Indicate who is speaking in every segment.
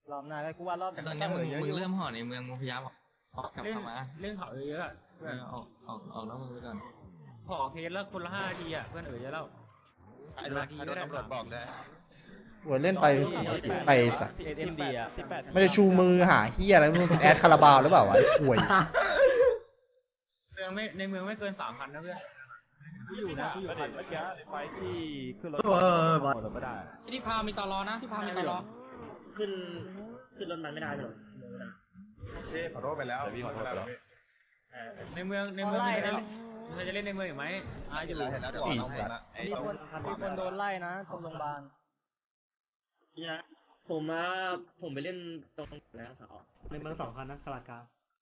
Speaker 1: รอบหน้าก็กูว่ารอบ
Speaker 2: แต่ตอนนี้มึงเริ่มห่อในเมืองมึงพยายามออกกลับเข้ามา
Speaker 1: เล่นเขาเยอะอะ
Speaker 2: ออกนอกเมืองไปก่อน
Speaker 1: ขอเคสแล้วคนละ5 นาทีอะเพื่อนเยอะแล้ว
Speaker 3: ไอ้โดนตำรวจบอกเลย
Speaker 4: หัวเล่นไปไปสัตว์
Speaker 1: เอ็มดีอะ
Speaker 4: มันจะชูมือหาเฮียอะไรไม่รู้เป็นแอดคาราบาวหรือเปล่าวะไอ้ห่วย
Speaker 1: ในเมืองไม่เกิน 3,000นะเพื่อนกูอยู่คันเมื่อกี้ไฟที่ขึ้นรถ
Speaker 5: บอล
Speaker 1: ก็ได้
Speaker 2: ที่พามีตอรอนะที่พามีตอรอ
Speaker 5: ขึ้นรถมันไม่ได้หรอ
Speaker 3: ขอโทษไปแล้วพี่ขอโทษไปแล้ว
Speaker 1: ในเมืองมันจะเล่นในเมืองอีกไหมอยู่
Speaker 3: เห็นแล้วเดี๋ยว
Speaker 4: อีสัตว์
Speaker 1: มีคนโดนไล่นะตรงโรงพยาบาล
Speaker 5: เนี่ยผมไปเล่นตรงแล้วเขาในเมือง2 คันนะกลากา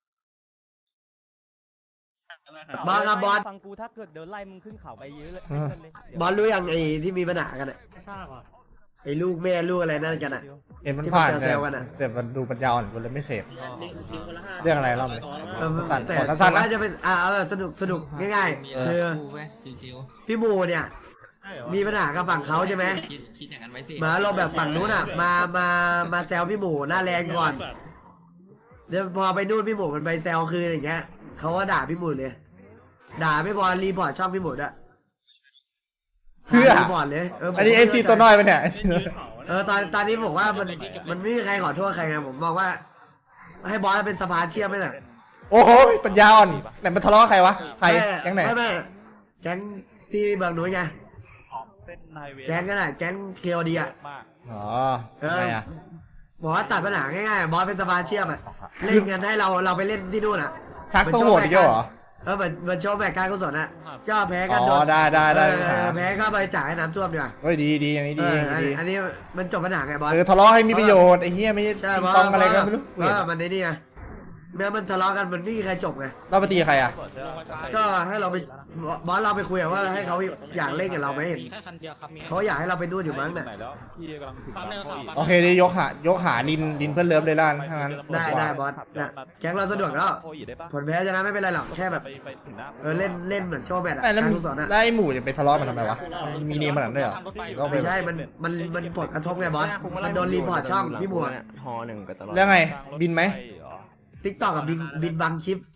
Speaker 5: บอลครับบอล
Speaker 1: ฟังกูถ้าเกิดเดินไล่มึงขึ้นเขาไปเยอะเลย
Speaker 5: บอลรู้ยังไอ้ที่มีปัญหากันอ่ะไอ้ลูกแม่ลูกอะไรนั่นกันอ่ะ
Speaker 4: เห็นมันผ่าน
Speaker 5: ที่มันแซวๆกันอะ
Speaker 4: แต่มันดูปัญญาอ่อนกูเลยไม่เสพเรื่องอะไรเล่าเลย สั้นๆ
Speaker 5: แต่
Speaker 4: ขอสั้นๆนะ
Speaker 5: ว่าจะเป็นสนุกง่ายๆคือ
Speaker 2: เว้ยชิว
Speaker 5: พี่มูเนี่ยมีปัญหากับฝั่งเขาใช่ไหม
Speaker 2: ๆคิดอย่างนั้นไว้สิ
Speaker 5: มาเราแบบฝั่งนู้นอ่ะมาแซวพี่หมูหน้าแรงก่อนเดี๋ยวพอไปนู่นพี่หมูมันไปแซวคืนอย่างเงี้ยเขาก็ด่าพี่หมูเลย ด่าไม่พอรีพอร์ตช่องพี่หมูด้วย
Speaker 4: เพื่อ
Speaker 5: รีพอร์ตเลย
Speaker 4: อันนี้เอฟซีตัวน้อยปะเนี่ย
Speaker 5: ตอนนี้บอกว่ามันไม่มีใครขอโทษใครไงผมมองว่า ให้บอสเป็นสะพานเชื่อมไหมล่ะ
Speaker 4: โอ้โหปัญญาอ่อนไหนมันทะเลาะใครวะใครแก๊งไหน
Speaker 5: ไม่แก๊งที่บางหนุ่ยไง
Speaker 1: เส้นไฮเวย์
Speaker 5: แก๊งกันอ่ะแก๊งเคโอดีอ่ะ
Speaker 1: มาก
Speaker 4: อ๋อทำไมอ่ะ
Speaker 5: บอกว่าตัดปัญหาง่ายๆบอสเป็นสะพานเชื่อมอ่ะเล่นกันให้เราไปเล่นที่นู่นอ่ะ
Speaker 4: ชักต้องโหวตอีกแล้วเหรอ
Speaker 5: เหมือนโชว์แบบการกุศลอ่ะก็แพ้กัน
Speaker 4: อ๋
Speaker 5: โด
Speaker 4: อน ได้
Speaker 5: แพ้ก็ไปจ่ายให้น้ำท่วมดีกว่า
Speaker 4: เฮ้ยดีอย่างนี้ดีอย่างนี้ดี
Speaker 5: อันนี้มันจบปัญหาไงบอส
Speaker 4: ทะเลาะให้มีประโยชน์ไอ้เหี้ยไม่
Speaker 5: ใช่
Speaker 4: ติง
Speaker 5: บอส
Speaker 4: ตองอะไรกันไม่รู้
Speaker 5: มันในนี่ไงเมื่อมันทะเลาะกันมันไม่มีใครจบไง
Speaker 4: เราไปตีใครอ่ะ
Speaker 5: ก็ให้เราไปบอสเราไปคุยว่าให้เขาอยากเล่นกับเราไหมเห็น
Speaker 2: มีแค่คันเดียวครับมี
Speaker 5: เขาอยากให้เราไปนู่นอยู่มั้งเนี่ย
Speaker 1: พี่กำลังถึง
Speaker 2: ปั๊มในกระเป๋า
Speaker 4: โอเคดียกหาดินเพื่อนเลิฟเลยล่ะถ้างั้น
Speaker 5: ได้บอสนะแก๊งเราสะดวกแล้วผลแพ้ชนะไม่เป็นไรหรอกแค่แบบ
Speaker 1: ไปถึงหน้า
Speaker 5: เล่นเหมือนโชว์แบบ
Speaker 4: แต่แล้ว
Speaker 5: การกุศลอะ
Speaker 4: ไอ้หมู่จะไปทะเลาะมันทำไมวะมีเนมขนาดนั้นเลยเหรอก็ไป
Speaker 5: ไม่ใช่มันผลกระทบไงบอสมันโดนรีพอร์ตช่องพี่บัว
Speaker 6: ฮอ1ไปตลอด
Speaker 4: แล้วไงบินไหม
Speaker 5: ทิกตอกกับบินบังคลิป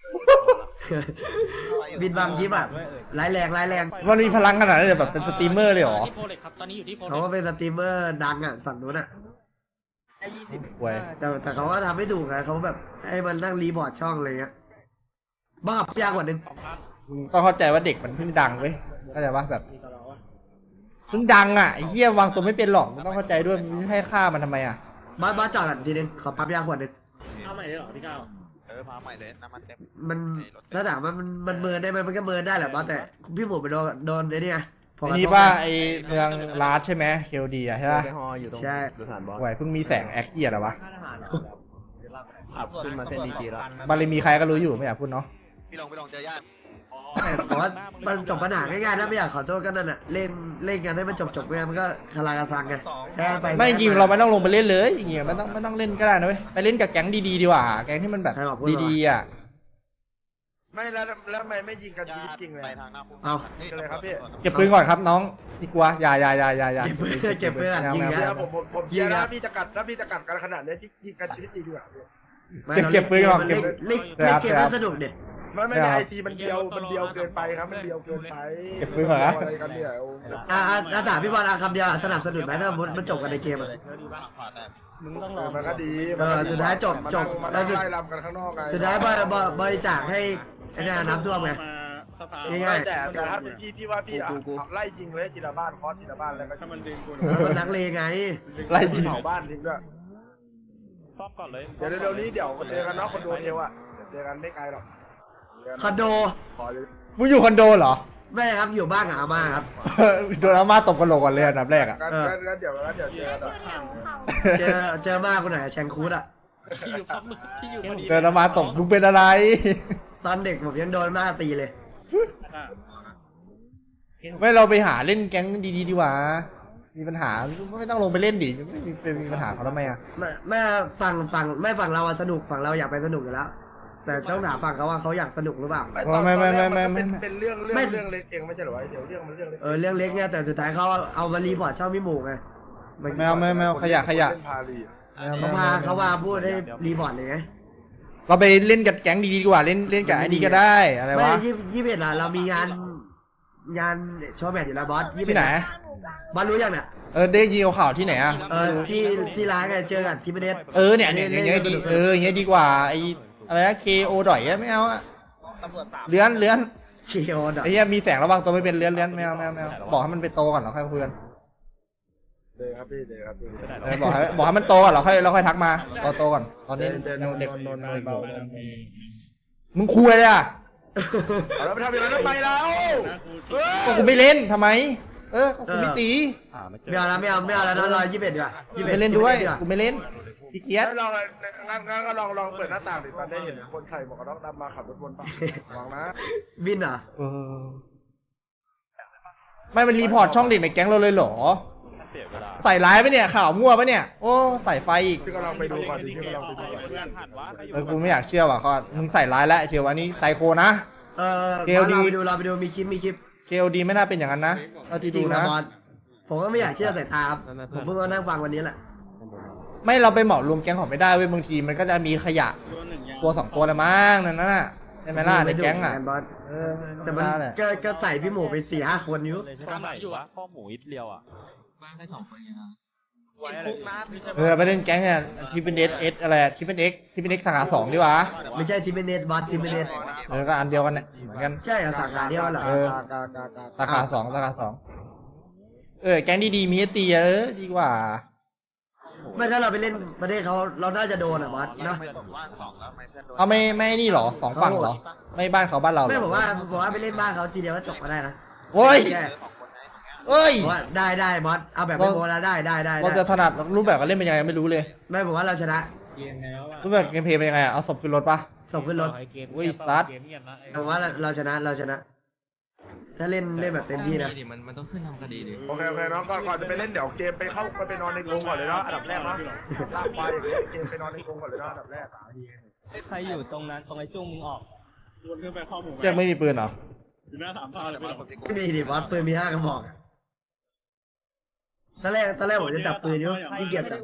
Speaker 5: บินบังคลิปอ่ะร้ายแรง
Speaker 4: มันมีพลังขนาดนั้นเลยแบบเป็นสตรีมเมอร์เลยเหรอ
Speaker 2: ที่โพเล็กครับตอนนี้อยู่ที่โพเล็
Speaker 5: เขา
Speaker 2: ก
Speaker 5: ก็เป็นสตรีมเมอร์ดังอ่ะฝั่งนู้นอ่ะ
Speaker 4: เว้ย
Speaker 5: แต่เขาก็ทำไม่ถูกไงเขาแบบให้มันนั่งรีพอร์ตช่องอะไรเงี้ยบ้าพยากว่านึง
Speaker 4: ต้องเข้าใจว่าเด็กมันเพิ่งดังเว้ยเข้าใจปะแบบเพิ่งดังอ่ะไอ้เหี้ยวางตัวไม่เป็นหรอกมันต้องเข้าใจด้วยมันให้ค่ามันทำไมอ่ะ
Speaker 5: บ้าจอดกันทีนึงขอปั๊บยาขวดนึง
Speaker 6: เอาใหม่ได้หรอพี่ก้าว
Speaker 3: พาใหม่เลยน้ำมันเต็ม
Speaker 5: มันถ้าถามว่ามันเมินได้ไหมมันก็เมินได้แหละบ้าแต่พี่หมูไปโดนไอ้นี่ไง
Speaker 4: ไอ้นี่ป่ะไอ้เมืองลาสใช่ไหมเคลดีอ่ะใช่ปะ
Speaker 6: ไปฮออยู่ตรงสถานบอส
Speaker 4: ไหวเพิ่งมีแสงแอคเกียอะไรวะ
Speaker 6: ขับขึ้นมาเส้นดีจีแล้ว
Speaker 4: บารมีใครก็รู้อยู่ไม่อยากพูดเนาะ
Speaker 3: พี่ลงเจอญาติ
Speaker 5: แต่ว่ามันจบปัญหาง่ายๆถ้าไม่อยากขอโทษก็นั่นแหละเล่นกันให้มันจบไงมันก็คาราคาซังไงแซ่ไป
Speaker 4: ไม่จริงเราไม่ต้องลงไปเล่นเลยอย่างเงี้ยไม่ต้องเล่นก็ได้นะเว้ยไปเล่นกับแก๊งดีๆดีกว่าแก๊งที่มันแบบดีๆอ่ะ
Speaker 7: ไม่แล้วไม่ยิงกันชีวิตจริงเลย
Speaker 3: ไปทางหน้าคุก
Speaker 5: เอา
Speaker 7: เลยครับพี่
Speaker 4: เก็บปืนก่อนครับน้องดีกว่าอย่า
Speaker 5: เก็บเพื่อนยิง
Speaker 7: เดี๋
Speaker 5: นะ
Speaker 7: ยวผมเชียร์นะพี่จะกัดกันขนาดนี้พี่ยิงกันชีวิตจริงดีกว่า
Speaker 4: เก็บปืนก่อนเก็บ
Speaker 5: เล่นเกมมันสนุกเด็ด
Speaker 7: ไม่ในไอซีมันเดียวเกินไปครับมันเดียวเกินไป
Speaker 4: เก็บปืนก่อนนะ
Speaker 7: อะไรกันเนี่ย
Speaker 5: ถามพี่บอลคำเดียวสนับสนุนไหมถ้ามันจบกันในเกม
Speaker 3: ผ่าแต่
Speaker 1: มึงต้องรอ
Speaker 7: มันก็ดี
Speaker 5: สุดท้ายจบ
Speaker 7: มันได้ไล่ลำกันข้างนอกไง
Speaker 5: สุดท้ายบริจาคให้ไอ้นี่น้ำท่วมไงง่าย
Speaker 7: แต่ถ้าเป็นพี่ว่าพี่ไล่ยิงเลยทีละบ้านเคาะทีละบ้านแล้วก็
Speaker 1: ถ้ามันดึงกู
Speaker 5: มันนักเลงไง
Speaker 4: ไล่ยิง
Speaker 7: เผาบ้านทิ้งด้วย
Speaker 1: ซ่อมก่อนเลย
Speaker 7: เดี๋ยวเร็วนี้เดี๋ยวเจอกันเนาะคอนโดเทลอ่ะเจอกันไม่ไกลหรอก
Speaker 5: คอนโด
Speaker 7: ขอเลย
Speaker 4: มึงอยู่คอนโดเหรอ
Speaker 5: ไม่ครับอยู่บ้านกับอาม่าครับ
Speaker 4: โดนอาม่าตบกระโหลกก่อนเลยอันดับแรกอ่ะ
Speaker 7: งั้นเดี๋ยวเจอกัน
Speaker 5: เจอมากคนไหนแชงคูดอ่ะ
Speaker 2: ที่อยู่ปั๊มที่อยู่พอดี
Speaker 4: เดินอาม่าตบมึงเป็นอะไร
Speaker 5: ตอนเด็กผมยังโดนมากตีเลย
Speaker 4: ไม่เราไปหาเล่นแก๊งดีๆดีกว่ามีปัญหาไม่ต้องลงไปเล่นดิไม่มีปัญหาเขาทำไมอ่ะ
Speaker 5: แม่ฝั่งเราสนุกฝั่งเราอยากไปสนุกอยู่แล้ว แต่ต้องถามฝั่งเขาว่าเขาอยากสนุกหรือเปล่า
Speaker 7: เป็นเรื่องเล็กเองไม่ใช่หรอเดี๋ยวเรื่องมันเรื่องเล็ก
Speaker 5: เรื่องเล็กเนี่ยแต่สุดท้ายเขาเอามารีพอร์ตช่องพี่หมูไง
Speaker 4: ไม่เอาขยะ
Speaker 7: เล่นพาลี
Speaker 5: เขามาพูดให้รีบอร์ดเลยไง
Speaker 4: เราไปเล่นกับแก๊งดีๆดีกว่าเล่นกับไอ้นี่ก็ได้อะไร
Speaker 5: ไม่
Speaker 4: วะ
Speaker 5: 21เรามีงานโชว์แมตช์อยู่แล้วบอส21
Speaker 4: ที่ไหน
Speaker 5: บอสรู้ยังเนี่ย
Speaker 4: ได้ยินข่าวที่ไหนอ่ะ
Speaker 5: ที่ร้านกันเจอกันที่ประเทศ
Speaker 4: เนี่ยอย่างเงี้ยดีอย่างเงี้ยดีกว่าไอ้อะไรนะ KO ดอยไม่เอาอะเลื้อน
Speaker 5: เชียวดอก
Speaker 4: ไอ้เหี้ยมีแสงระวังตัวไม่เป็นเลื้อนไม่เอาบอกให้มันไปโตก่อนเราค่อยคุยกัน
Speaker 7: เดินครับพี่เดินครับพี่
Speaker 4: บอกให้มันโตก่อนเราค่อยทักมาโตก่อนตอนนี้ยังเด็กอยู่มึงคุยเลยอ่ะ
Speaker 7: เอาแล้วไปทำอย่างนั้นทำไมเรา
Speaker 4: ก็กูไม่เล่นทำไมก็กูไม่ตี
Speaker 5: ไม่เอาแล้วนะเรา21ดีกว่า
Speaker 4: ไม่เล่นด้วยกูไม่เล่นขี้เกียจ
Speaker 7: ลองงั้นก็ลองเปิดหน้าต่างดิตอนได้เห็นคนไทยบอกว่าต้องดำมาขับรถวนป่ะวางนะ
Speaker 5: วินเหรอ
Speaker 4: ไม่มันรีพอร์ตช่องเด็กในแก๊งเราเลยเหรอ
Speaker 1: เสียเวลา
Speaker 4: ใส่ร้ายปะเนี่ยข่าวมั่วปะเนี่ยโอ้ใส่ไฟอีก
Speaker 7: พี่ก็ลองไปดูก่อนดิพี่ก็ลองไปดูก่อน
Speaker 1: เพื่อนหันวะใครอยู่
Speaker 4: กูไม่อยากเชื่อว่ะก็มึงใส่ร้ายแล้วเทียววันนี้ไซโคนะ
Speaker 5: เกลดีเราไปดูมีคลิป
Speaker 4: KOD ไม่น่าเป็นอย่างนั้นนะเอาที่
Speaker 5: จริ
Speaker 4: ดู
Speaker 5: งนะ
Speaker 4: นะ
Speaker 5: บอสผมก็ไม่อยากเชื่อสายตาครับผมเพิ่งมานั่งฟังวันนี้แหละ
Speaker 4: ไม่เราไปเหมารวมแก๊งของไม่ได้เว้ยบางทีมันก็จะมีขยะตัว2ตัวละมั้งนั่นน่ะใช่ไหมล่ะในแก๊งอ่ะ
Speaker 5: บอส
Speaker 4: แต่
Speaker 5: แต่
Speaker 4: มั
Speaker 5: มัน
Speaker 4: แหละ
Speaker 5: ก็ใส่พี่หมูไป4-5 คนอยู่
Speaker 1: ข้อไหนอยู่วะข้อหมูอิดเลียวอ่ะ
Speaker 2: บ้านได้2 คนไงฮะ
Speaker 1: ไว้อะไร
Speaker 4: ไปเล่นแก๊งเนี่ยที่เป็นเอสอะไรที่เป็น X สาขา2ดีวะ
Speaker 5: ไม่ใช่ทีมเนตบอสทีมเนต
Speaker 4: ก็อันเดียวกันเนี่ยเหมือนกัน
Speaker 5: ใช่เหรอสาขาเดียวเหรอ
Speaker 4: สาขา2แก๊งดีๆมีให้ตีดีกว่า
Speaker 5: ไม่ถ้าเราไปเล่นประเทศเขาเราน่าจะโดนอ่ะบอสเนาะ
Speaker 3: ไม่ตกว่างสองแล้วไม่เพื่อนโดน
Speaker 4: เอาไม่นี่หรอ2ฝั่งเหรอไม่บ้านเขาบ้านเรา
Speaker 5: ไม่ผมว่าไปเล่นบ้านเขาทีเดียวก็จบมาได้นะ
Speaker 4: โอ้ย
Speaker 5: แค่
Speaker 4: เอ้ย
Speaker 5: ผมว่าได้บอสเอาแบบไม่โกนะได้
Speaker 4: เราจะถนัดรูปแบบการเล่นเป็นยังไงไม่รู้เลย
Speaker 5: ไม่ผมว่าเราชนะ
Speaker 4: รูปแบบเกมเพลย์เป็นยังไงเอาศพขึ้นรถปะ
Speaker 5: ส่งขึ้นรถ
Speaker 4: อุ้ยซัด
Speaker 5: ผมว่าเราชนะถ้าเล่นแบบเต็มที่นะ
Speaker 2: ดิมันต้องขึ้นทำคดีดิ
Speaker 7: โอเคน้องก่อนจะไปเล่นเดี๋ยวเกมไปเข้าไปนอนในกรงก่อนเลยเนาะอันดับแรกเนาะลากไปอย่างเงี้ยเกมไปนอนในกรงก่อนเลยเนาะอันดับแรก
Speaker 1: ใครอยู่ตรงนั้นตรงไอ้จุ้งมึงออก
Speaker 6: วนขึ้นไปข้อมูล
Speaker 4: เจ๊ไม่มีปืนเหรอ
Speaker 6: อยู่หน้า3 ท่าเลยไม่หรอ
Speaker 5: ไม่มีดิบอสปืนมี5 กระบอกตอนแรกผมจะจับปืนอยู่ที่เกียจจับ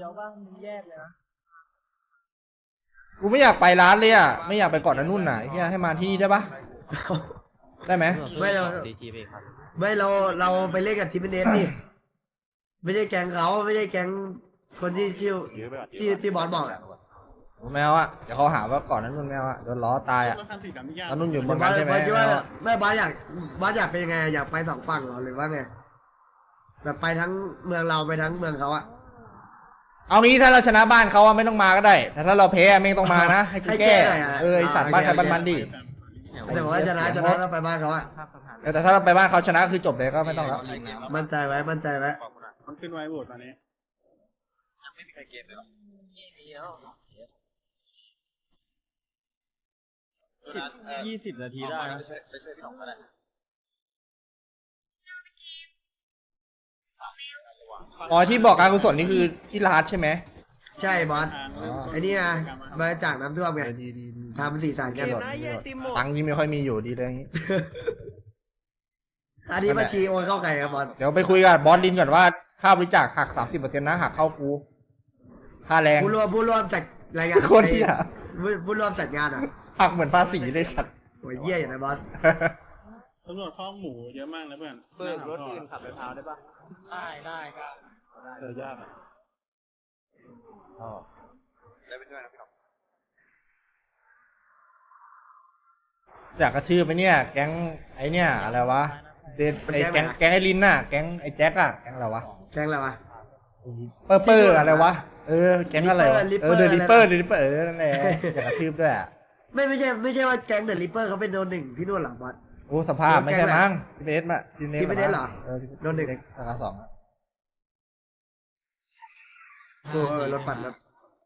Speaker 4: กูไม่อยากไปร้านเลยอ่ะไม่อยากไปเกาะนั่นนู่นน่ะเฮียให้มาที่นี่ได้ปะได้ไหม
Speaker 5: ไม่เราไปเล่นกับทีมเนสนี่ไม่ใช่แก๊งเขาไม่ใช่แก๊งคนที่ชื่อที่บอสบอกอ่ะ
Speaker 4: ไม่เอาอ่ะเดี๋ยวเขาหาว่าเกาะนั่นนู่นไม่เอาอ่ะโดนล้อตายอ่ะ
Speaker 6: รถคันสีดำที่ยาก
Speaker 4: นั่นนู่นอยู่เมือง
Speaker 5: บอ
Speaker 4: นั้
Speaker 5: ส
Speaker 4: นใช่ไหม
Speaker 5: คิด
Speaker 4: ไม่
Speaker 5: ว่า
Speaker 4: เอาอะ
Speaker 5: ไม่บอสอยากเป็นยังไงอยากไป2 ฝั่งเหรอหรือว่าไงแบบไปทั้งเมืองเราไปทั้งเมืองเขาอะ
Speaker 4: เอางี้ถ้าเราชนะบ้านเขาอ่ะไม่ต้องมาก็ได้ แต่ถ้าเราแพ้ไม่ต้องมานะให้กูแก้ไอสัตว์บ้านใครบ้านมันดิ
Speaker 5: แต่บอกว่าชนะเราไปบ้านเขาอะ
Speaker 4: แต่ถ้าเราไปบ้านเขาชนะคือจบเลยก็ไม่ต้องแล้ว
Speaker 5: มั่นใจไว้
Speaker 6: มันขึ้นไว้โหวตตอนนี้
Speaker 3: ไม่มีใครเกมเลยหรอ
Speaker 1: 20 นาทีได้นะ
Speaker 3: ไปช่วยพี่หนองก็ได้
Speaker 4: อ๋อที่บอกการกุศลนี่คือที่ร้านใช่ไหม
Speaker 5: ใช่บอส
Speaker 4: อ๋อ
Speaker 5: ไอ้นี่นะมาจากน้ำท่วมไง
Speaker 4: ดี
Speaker 5: ทำสีสันกัน
Speaker 4: ตังค์นี่ไม่ค่อยมีอยู่ดีเลยอย่างงี้
Speaker 5: อันนี้บัญชีโอนเข้าใครครับบอส
Speaker 4: เดี๋ยวไปคุยกับบอสลินก่อนว่าค่าบริจาคหัก 30%นะหักเข้ากูค่าแรง
Speaker 5: ผู้ร่วมจัดรายงาน
Speaker 4: โคตรเหี้ย
Speaker 5: ผู้ร่วมจัดงานอ่ะ
Speaker 4: หักเหมือนภาษีเลยสัตว์
Speaker 5: โหเยี่ยอย่างนะบอส
Speaker 6: ตำรวจข้อหมูเยอะมากนะเพื่อน
Speaker 1: เปิดรถอื่นขับไปพาวได้ปะได้ครับยากอ่ะ
Speaker 3: ได้ไปช่วยนะพี่หนอง
Speaker 4: อยากกระชื่อไปเนี่ย แก๊งไอเนี่ยอะไรวะเดนไอแก๊งไอลินน่ะแก๊งไอแจ็คอะแก๊งอะไรวะ
Speaker 5: แจ้งอะไรวะ
Speaker 4: เปอร์อะไรวะแก๊งอะไรวะ
Speaker 5: Ripper
Speaker 4: เดอะริปเปอร์นั่นแหละอยากกระชื่อด้วยอะ
Speaker 5: ไม่ใช่ว่าแก๊งเดอะริปเปอร์เขาเป็นโดน 1ที่นู่นหรอบอส
Speaker 4: โอ้สภาพไม่ใช่มั้งทีเนสมา
Speaker 5: ทีมเนสเหรอโดนหนึ่ง
Speaker 4: ราคา2
Speaker 5: รถปั่นรถ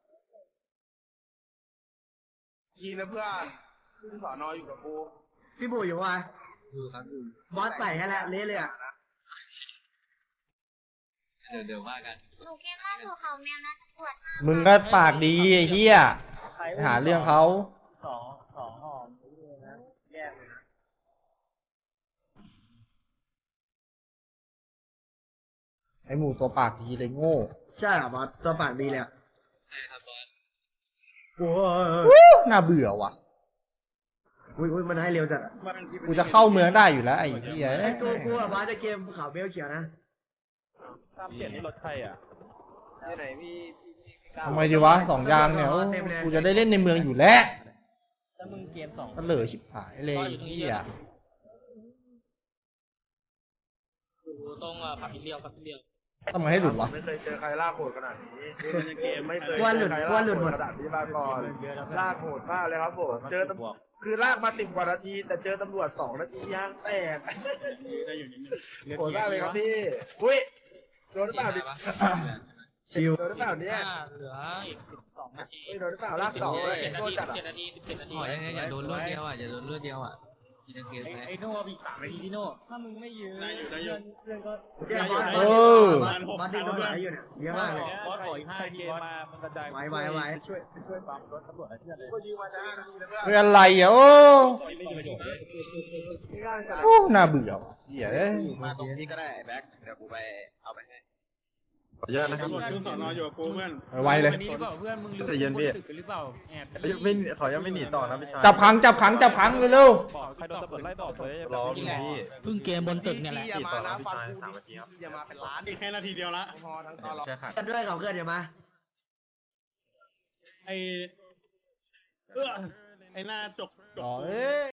Speaker 7: ยีนะเพื่อนขึ้นสอนออยู่กับกู
Speaker 5: พี่บูอยู่วะบอสใส่ให้แล้วเละเลยอ่ะ
Speaker 2: เดี๋ยวว่ากัน
Speaker 8: หนูเกมล่าสุดเขาแมวนะตรวจ
Speaker 4: มึงก็ปากดีไอ้เหี้ยหาเรื่องเขา
Speaker 1: สองห่อนะแยกเลยนะ
Speaker 4: ไอหมูตัวปากดีเลยโง่
Speaker 5: ใช่เหรอบอสตัวปากดีเลยอะโอ้ย
Speaker 4: น่าเบื่อว่ะ
Speaker 5: อุ้ยมันให้เร็วจัดอะ
Speaker 4: กูจะเข้าเมืองได้อยู่แล้วไอ้เหี้ย
Speaker 5: ไอ้กูอะบ้าจะเกมขาวเบลเขียวนะ
Speaker 1: 37นี่รถใครอ่ะ
Speaker 3: ที่ไหนพี่
Speaker 4: ทำไมดีวะสองยางเนี่ยโอ้กูจะได้เล่นในเมืองอยู่แล้ว
Speaker 2: ถ้ามึงเกมสอง
Speaker 4: ก็เหลือชิบหายเลยไอ้เหี้ย
Speaker 2: ตรงผับอินเดียผับอินเดีย
Speaker 4: ทำไมให้หลุดวะ
Speaker 7: ไม่เคยเจอใครลากโหดขนาดนี้
Speaker 6: เกม
Speaker 7: ไม่เคย
Speaker 5: ว่าหลุด
Speaker 7: เจอใคร
Speaker 5: ว่าหลุดหมด
Speaker 7: ขนาดนี้มาก่อนลากโหดมากเลยครับผมเจอตำคือลากมา10 กว่านาที แต่เจอตำรวจ2 นาทียางแตก
Speaker 6: ได้อยู่นิดนึง
Speaker 7: โหดมากเลยครับพี่อุ้ยโดนหรือเปล่าดิ
Speaker 5: ชิว
Speaker 7: โดนหรือเปล่าเนี่ย
Speaker 2: เหลืออีก12 นาที
Speaker 7: เฮ้ยโดนหรือเปล่าลาก2เลยโดนจัดอ่ะ
Speaker 2: 17 นาทีขอยังไงอย่าโดนรวดเดียวอ่ะอย่าโดนรวดเดียวอ่ะกินเกมไป
Speaker 1: ไอ้โน่มี3 นาทีที่โน่ถ้ามึงไม่ยืน
Speaker 6: ได้อยู่ได้อยู่
Speaker 1: เพื่อนก็
Speaker 5: เนี่ยบอส
Speaker 4: เออ
Speaker 5: บอสดึงตำรวจให้อยู่เนี่ยเยอะมากเลย
Speaker 1: บอสขออีก5 นาทีมามันกระจาย
Speaker 5: ไว้
Speaker 1: ช่วยปั๊มรถตำรวจให้เพื่อนเลย
Speaker 7: ก็ยืมมาจะ5 นาทีแล้ว
Speaker 4: เฮ้ยอะไรอ่ะโอ้
Speaker 1: ไม่มีประโยชน์เลย
Speaker 4: โอ้น่าเบื่อว่ะเหี้ยเอ้ย
Speaker 3: มาตรงนี้ก็ได้แบ็คเดี๋ยวกูไปเอาไปให้
Speaker 7: ขออนุญาตนะ
Speaker 6: ตำรวจขึ้นสอนออยู่กับกูเพื่อน
Speaker 4: ไวเลย
Speaker 1: วันนี้หรือเปล่าเพื่อนมึงลืม
Speaker 7: ใจเย็นพี่
Speaker 1: ตึกหรือเปล่าแอบ
Speaker 7: ไม่ขอยังไม่หนีต่อนะพี่ชาย
Speaker 4: จับขังเร็ว
Speaker 1: บอกใครโดนตำรวจไล่ตอบเลย
Speaker 7: รอพี่
Speaker 2: เพิ่งเกมบนตึกเนี่ยแหละ
Speaker 3: อย่ามานะฟังกูดิอย่ามาเป็นล้าน
Speaker 6: อีกแค่นาทีเดียวละ
Speaker 3: พอทั้งตอนเรา
Speaker 5: กันด้วยเขาเกินอย่ามา
Speaker 6: ไอไอหน้าจก
Speaker 4: ๆอ๋อเอ้ย